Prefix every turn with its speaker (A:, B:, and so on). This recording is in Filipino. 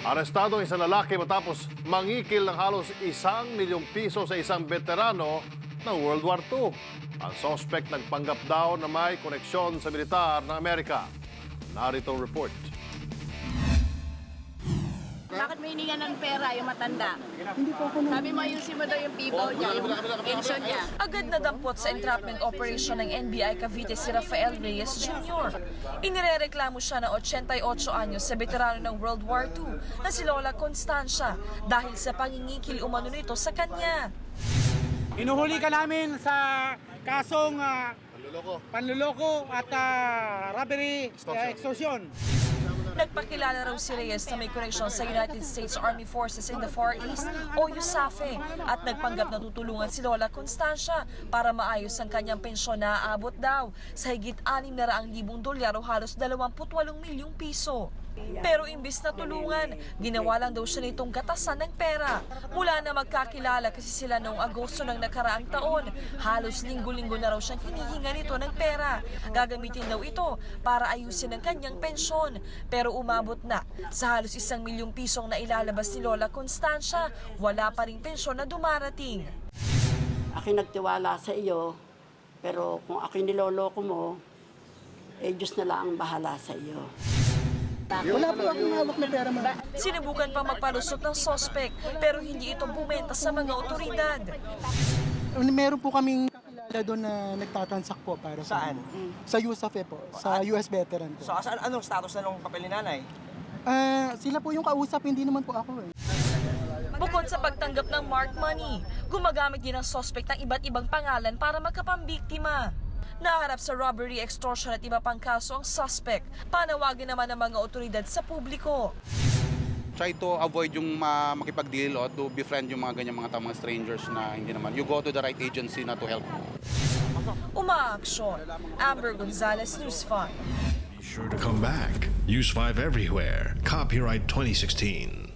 A: Arestado ang isang lalaki matapos mangikil ng halos 1 milyong piso sa isang veterano ng World War II. Ang suspect nagpanggap daw na may koneksyon sa militar ng Amerika. Narito ang report.
B: Bakit may hininga ng pera yung matanda? Sabi mo, ayusin mo daw yung people niya, yung pension niya.
C: Agad nadampot sa entrapment operation ng NBI Cavite si Rafael Reyes Jr. Inirereklamo siya ng 88 anyos sa veterano ng World War II na si Lola Constancia dahil sa pangingikil umano nito sa kanya.
D: Inuhuli ka namin sa kasong panluloko at robbery extortion.
C: Nagpakilala raw si Reyes na may koneksyon sa United States Army Forces in the Far East o USAFE at nagpanggap na tutulungan si Lola Constancia para maayos ang kanyang pensyon na aabot daw sa higit 600,000 dolyar o halos 28 milyong piso. Pero imbis na tulungan, ginawa lang daw siya nitong gatasan ng pera. Mula na magkakilala kasi sila noong Agosto ng nakaraang taon, halos linggo-linggo na raw siyang hinihinga nito ng pera. Gagamitin daw ito para ayusin ang kanyang pensyon. Pero umabot na sa halos 1 milyong pisong na ilalabas ni Lola Constancia, wala pa ring pensyon na dumarating.
E: Ako'y nagtiwala sa iyo, pero kung ako'y niloloko mo, Diyos na lang ang bahala sa iyo.
F: Wala po akong hawak na pera, ma'am.
C: Sinubukan pa magpalusot ng suspect pero hindi ito bumenta sa mga otoridad.
F: Meron po kaming kakilala doon na nagtatransact po para
G: Saan?
F: Sa USAFE po, sa US veteran po.
G: So, anong status na nung papel ni nanay?
F: Sila po yung kausap, hindi naman po ako eh.
C: Bukod sa pagtanggap ng mark money, gumagamit din ang suspect ng iba't ibang pangalan para magkapambiktima. Naharap sa robbery, extortion at iba pang kaso ang suspect. Panawagin naman ng mga otoridad sa publiko.
H: Try to avoid yung makipag-deal o to befriend yung mga ganyan mga strangers na hindi naman. You go to the right agency na to help.
C: Umaaksyon. Amber Gonzalez, News 5.
I: Be sure to come back. Use 5 everywhere. Copyright 2016.